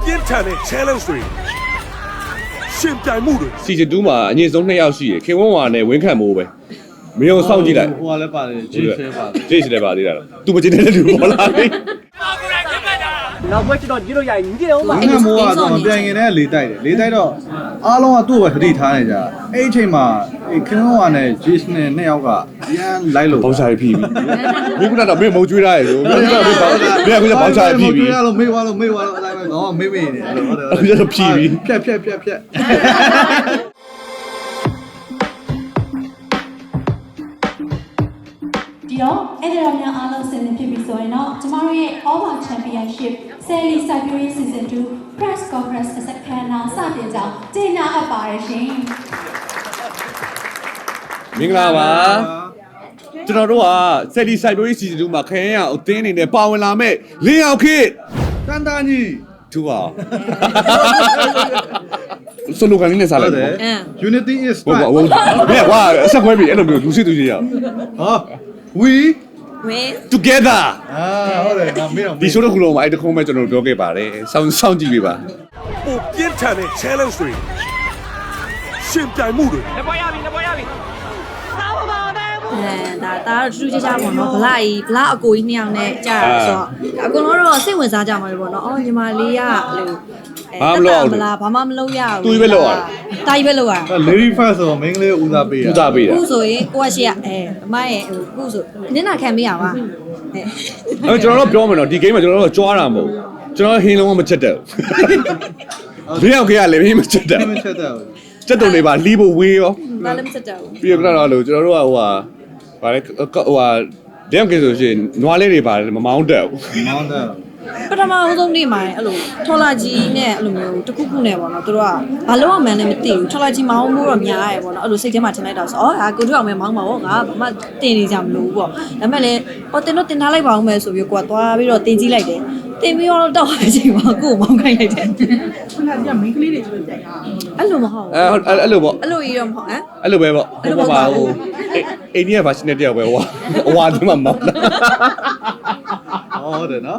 ပြင်းထန်တဲ့ challenge တွေရှင်ပြိုင်မှုတွေ season 2မှာအငြင်းဆုံး2ယောက်ရှိရခင်ဝန်းဝါနဲ့ဝင်းခံမိုးပဲမင်းကိုစောင့်ကြည့်လိုက်ဟိုကလည်းပါတယ်ဂျေးဆဲပါတယ်ဂျေးစလည်းပါသေးတာတော့ तू မကျင်းတဲ့လူပေါ်လာပြီနောက်ဘက်ကျွန်တော်ကြည့်လို့ရရင်ညီတယ်ဦးပါငါမိုးကတော့ပြန်ရင်လည်းလေတိုက်တယ်လေတိုက်တော့အားလုံးကသူ့ကိုပဲသတိထားနေကြအဲ့အချိန်မှာခင်ဗျားနဲ့ဂျေးနဲ့နှစ်ယောက်ကရန်လိုက်လို့ဘောက်ချာရပြီမင်းကတော့မင်းမုံကျွေးထားရဆိုမင်းကဘောက်ချာရပြီကျွေးရလို့မေးသွားလို့အဲ့ဒါပဲငါမေးမေးနေတယ်ဟုတ်တယ်အဲ့ဒါဖြီးပြီဖြတ်ဒီတော့အဲ့ဒါများအားလုံးဆင်သင့်ဖြစ်ပြီဆိုရင်တော့ကျမတို့ရဲ့ Over Championship Sally Siberia Season 2 Press Conference စက္ကန့်နာစတင်ကြောင်းကြေညာအပ်ပါတယ်ရှင်မင်္ဂလာပါကျွန်တော်တို့က Sally Siberia Season 2မှာခရင်ရအသင်းအနေနဲ့ပါဝင်လာမဲ့လင်းအောင်ခေတ်တန်တန်ကြီးသူပါစလိုကန်လေးနဲ့စားလိုက် Unity is ဘော strength ဘောဘယ်ကွာအဆက်ခွဲပြီအဲ့လိုမျိုးလူစစ်သူကြီးရအောင်ဟာ we together ဟုတ်တယ်ငါမေးတော့ဒီ show တစ်ခုလုံးမှာအဲ့တခုမဲ့ကျွန်တော်တို့ပြောခဲ့ပါတယ်စောင့်ကြည့်ပေးပါပိုပြင်းထန်တဲ့ challenge တွေရှင်ပြိုင်မှုတွေနှစ်ပွဲရပြီဒါတော့ထူးထူးခြားခြားပေါ့နော်ဗလာကြီးဗလာအကိုကြီးနှစ်ယောက်နဲ့ကြာတာဆိုတော့အကုန်လုံးတော့စိတ်ဝင်စားကြမှာလေပေါ့နော်အော်ညီမလေးကမလားဘာမှမလုပ်ရဘူးတာကြီးပဲလုပ်ရ lady first ဆိုတော့မင်းကလေးဦးစားပေးတာဦးစားပေးတာခုဆိုရင်ကိုကရှိရအမရဲ့ခုဆိုနင်းနာခံပေးရပါအဲ့ကျွန်တော်တို့ပြောမယ်နော်ဒီ game မှာကျွန်တော်တို့ကြွားတာမဟုတ်ကျွန်တော်ဟင်းလုံးဝမချက်တက်ဘူးလင်းအောင်ခေတ်ကလည်းမင်းမချက်တက်မချက်တော့ချက်တုံတွေပါလီးဖို့ဝေးရောဘာလည်းမစက်တော့ပြီးတော့လို့ကျွန်တော်တို့ကဟိုဗာလဲလင်းအောင်ခေတ်ဆိုရှင်နွားလေးတွေပါတယ်မမောင်းတက်ဘူးမောင်းတော့ပထမအဆုံးနေ့မှာအဲ့လိုထော်လာကြီးနဲ့အဲ့လိုမျိုးတစ်ခုခုနဲ့ပေါ့နော်သူတို့ကဘာလို့မှန်းလည်းမသိဘူးထော်လာကြီးမောင်းမှုတော့များရဲပေါ့နော်အဲ့လိုစိတ်ထဲမှာထင်လိုက်တာဆိုအော်ဟာကိုတို့အောင်မဲမောင်းပါပေါ့ငါဘာမှတင်နေကြမလို့ပေါ့ဒါပေမဲ့လည်းဟောတင်တော့တင်ထားလိုက်ပါအောင်မဲဆိုပြီးကိုကသွားပြီးတော့တင်ကြည့်လိုက်တယ်တင်ပြီးတော့တော့အချိန်မှာကိုမောင်းခိုင်းလိုက်တယ်ခုနကမိန်းကလေးတွေကျလို့ကြိုက်တာအဲ့လိုမဟုတ်ဘူးအဲ့လိုပေါ့အဲ့လိုကြီးတော့မဟုတ်ဟမ်အဲ့လိုပဲပေါ့ဟိုပါဟိုအိန္ဒိယ version နဲ့တယောက်ပဲဟိုအဝါဒီမှာမောင်းတာဟုတ်တယ်နော်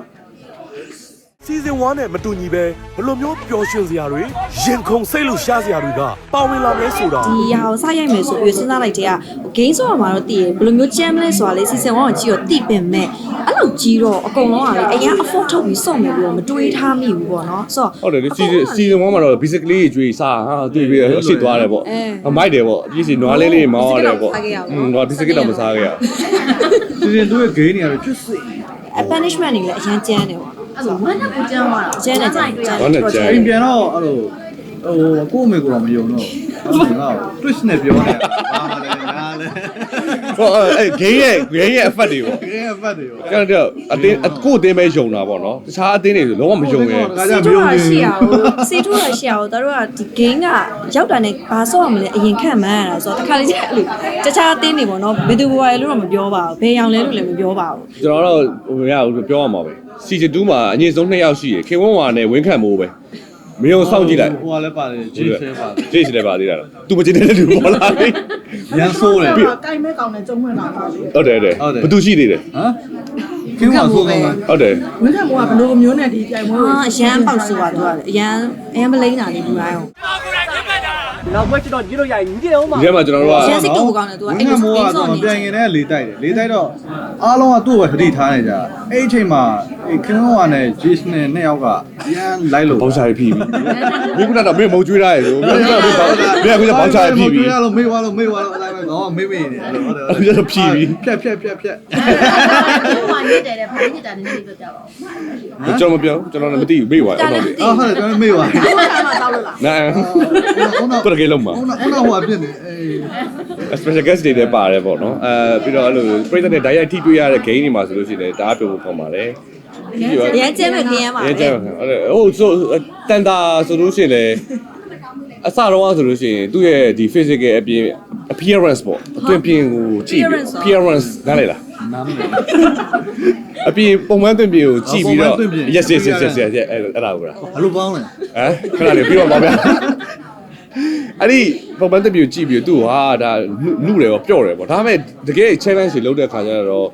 season 1နဲ့မတူညီပဲဘယ်လိုမျိုးပျော်ရွှင်စရာတွေရင်ခုန်စိတ်လို့ရှားစရာတွေကပါဝင်လာမယ်ဆိုတာဒီဟာကိုစရိုက်မယ်ဆိုပြီးစဉ်းစားလိုက်တဲ့က game ဆိုတာမှာတော့တည်ရဘယ်လိုမျိုး jam လဲဆိုတာလေ season 1ကိုကြည့်တော့တည်ပင်မဲ့အဲ့လိုကြီးတော့အကုန်လုံးကလေအရင် afford ထုတ်ပြီးစုံမယ်ပြီးတော့မတွေးထားမိဘူးပေါ့နော်ဆိုတော့ဟုတ်တယ် season 1မှာတော့ basically ကျွေးစားဟာတွေ့ပြီးအရှိသွားတယ်ပေါ့မိုက်တယ်ပေါ့အပြည့်စီနွားလေးလေးမောင်းရတယ်ပေါ့တော့ဒီစကစ်တော့မစားခဲ့ရဘူး season 2ရဲ့ game တွေကတော့ကျွတ်စိ punishment တွေလည်းအရင်ကျန်းတယ်ပေါ့အဲ့လိုဝမ်းနဲ့ကိုကျန်းသွားတာကျန်းတယ်ကျန်းအိမ်ပြန်တော့အဲ့လိုဟိုကို့အမေကိုတော့မယုံတော့အဲ့ဒါက twist နဲ့ပြောနေတာဘာမှလည်းငါလည်းဟိုအဲ့ game ရဲ့ effect တွေပေါ့ game အဖတ်တွေရောကျွန်တော်အတင်းကိုအတင်းပဲယုံတာပေါ့နော်တခြားအတင်းတွေဆိုလုံးဝမယုံရဲ့ကားကြစီမယုံထိုးဘူးရှိရအောင်စီထိုးရရှိရအောင်တို့ကဒီ game ကရောက်တာနဲ့ဘာဆော့ရမလဲအရင်ခံမှန်းရတာဆိုတော့တခါလေကျအဲ့လိုတခြားအတင်းတွေပေါ့နော်ဘယ်သူဘဝလဲလို့တော့မပြောပါဘူးဘယ်ရောင်လဲလို့လည်းမပြောပါဘူးကျွန်တော်တော့ဟိုမရဘူးပြောရမှာပဲ season 2မှာအငြင်းဆုံး2ယောက်ရှိရခင်ဝန်းဝါနဲ့ဝင်းခံမိုးပဲမင်းကိုစောင့်ကြည့်လိုက်ဟိုကလည်းပါတယ်ဂျေးဆဲပါတယ်ဂျေးစလည်းပါသေးတာတော့ तू မကျင်းတဲ့လူပေါ်လာပြီရန်ဆိုးတယ်ကိုင်မဲ့ကောင်နဲ့ကျုံဝင်လာတာလေဟုတ်တယ်ဘသူရှိသေးတယ်ဟမ်ခင်ဗျာဆိုးကောင်းလားဟုတ်တယ်ဝင်းကမိုးကဘလို့မျိုးနဲ့ဒီကြိုင်ပွဲကိုအရန်ပေါက်ဆိုတာသူကအရန်မလိမ့်တာလေဘူးတိုင်းအောင်နောက်ဘက်ကျွန်တော်ကြည့်လို့ရရင်ညီတယ်ဦးပါဒီထဲမှာကျွန်တော်တို့ကရန်စိတ်တူကောင်းတယ်သူကအဲ့ငါလိုမိုးစိတ်ကတော့စောနေပြန်ရင်လည်းလေတိုက်တယ်လေတိုက်တော့အားလုံးကသူ့ကိုပဲသတိထားနေကြအဲ့အချိန်မှာခင်ဗျာနဲ့ဂျေးနဲ့နှစ်ယောက်ကရန်လိုက်လို့ဘောက်ချာရပြီမင်းကတော့မင်းမုံကျွေးထားရဆိုမင်းကဘောက်ချာရပြီကျွေးရလို့မေးသွားလို့အဲ့ဒါပဲငါမေးမေးနေတယ်ဟုတ်တယ်အဲ့ဒါဖြီးပြီဖြတ်ဟိုမှာညစ်တယ်တဲ့ဘာညစ်တာလဲသိပြပါဦးကျွန်တော်မပြောကျွန်တော်လည်းမသိဘူးမေ့သွားအောင်တော့အော်ဟုတ်တယ်ကျွန်တော်မေးသွားဘယ်မှာတောက်လို့လားနာတော့ကလေးလုံးမှာဟိုဟိုအပြစ်နေအေး special guest တွေလည်းပါတယ်ပေါ့နော်ပြီးတော့အဲ့လိုပရိသတ်နဲ့ direct ထိတွေ့ရတဲ့ game တွေမှာဆိုလို့ရှိရင်တအားပြောဖို့ကောင်းပါတယ်ရန်ကျဲမဲ့ခရမ်းပါရဲလေကျဟုတ်ဟိုဆိုတန်တာဆိုလို့ရှိရင်လည်းအစတော့ဆိုလို့ရှိရင်သူ့ရဲ့ဒီ physical အပြင် appearance ပေါ့အတွင်ပြင်ကိုကြည့်ပြီး appearance နားလေလားနားမလဲအပြင်ပုံမှန်အတွင်ပြင်ကိုကြည့်ပြီးတော့ yes yes yes yes အဲ့ဒါကိုလားဘလို့ပေါင်းလဲခဏလေးပြီးတော့ပါဗျာအဲ့ဒီပုံမှန်အတွင်ပြင်ကိုကြည့်ပြီးသူ့ဟာဒါနုတယ်ပေါ့ပျော့တယ်ပေါ့ဒါပေမဲ့တကယ် challenge တွေလုပ်တဲ့ခါကျတော့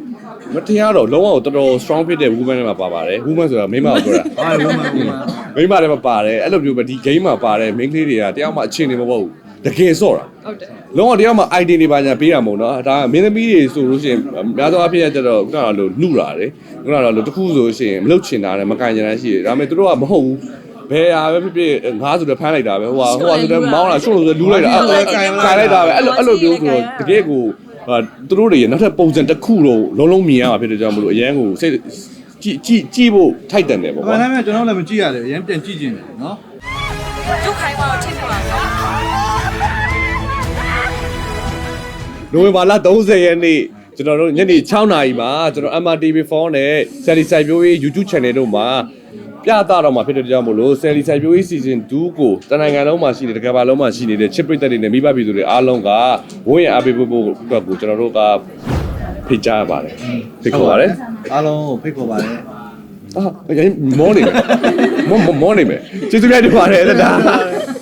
မထင်ရတော့လုံးဝတော်တော် strong ဖြစ်တဲ့ woman တွေမှာပါပါတယ် woman ဆိုတာမိန်းမကိုပြောတာဟာဝမန်မိန်းမတွေမှာပါတယ်အဲ့လိုမျိုးပဲဒီ game မှာပါတယ် main ကလေးတွေကတယောက်မှအခြေအနေမဟုတ်ဘူးတကယ်စော့တာဟုတ်တယ်လုံးဝတယောက်မှ idea တွေပါညာပေးတာမဟုတ်နော်ဒါမင်းသမီးတွေဆိုလို့ရှိရင်များသောအားဖြင့်ကျတော့ခုနကလိုနှုတာတယ်ခုနကလိုတခုဆိုလို့ရှိရင်မလုပ်ချင်တာနဲ့မကန်ချင်တာရှိတယ်ဒါပေမဲ့သူတို့ကမဟုတ်ဘူးဘယ်ဟာပဲဖြစ်ဖြစ်ငါဆိုတော့ဖမ်းလိုက်တာပဲဟိုဟာဆိုတော့မောင်းလာရှုပ်လို့ဆိုလူးလိုက်တာကန်လိုက်တာပဲအဲ့လိုမျိုးဆိုတော့တကယ်ကိုသူတို့တွေနောက်ထပ်ပုံစံတစ်ခုတော့လုံးလုံးမြင်ရမှာဖြစ်တဲ့ကြောင့်မလို့အရန်ကိုစိတ်ကြည့်ဖို့ထိုက်တန်တယ်ပေါ့ဘာကွာလဲကျွန်တော်လည်းမကြည့်ရတယ်အရင်ပြန်ကြည့်ကျင်တယ်နော်ကျုပ်ခိုင်းပါတော့ချိန်ပါနိုဝင်ဘာလ30ရက်နေ့ကျွန်တော်တို့ညနေ6နာရီမှာကျွန်တော် MRTV4 နဲ့ Sally စိုက်ပျိုးရေး YouTube channel တို့မှာပြသတော့မှာဖြစ်တဲ့ကြောင့်မို့လို့ Sally စိုက်ပျိုးရေး season 2ကိုတနိုင်ငံလုံးမှာရှိနေတဲ့တကဘာလုံးမှာရှိနေတဲ့ချစ်ပရိသတ်တွေနဲ့မိဘပြည်သူတွေအားလုံးကဝန်းရံအားပေးဖို့အတွက်ကိုကျွန်တော်တို့ကဖိတ်ကြားပါတယ်ဖိတ်ခေါ်ပါတယ်အားလုံးကိုဖိတ်ခေါ်ပါတယ်မောနေမယ်မောနေမယ်ကျေးဇူးများတင်ပါတယ်ဒါ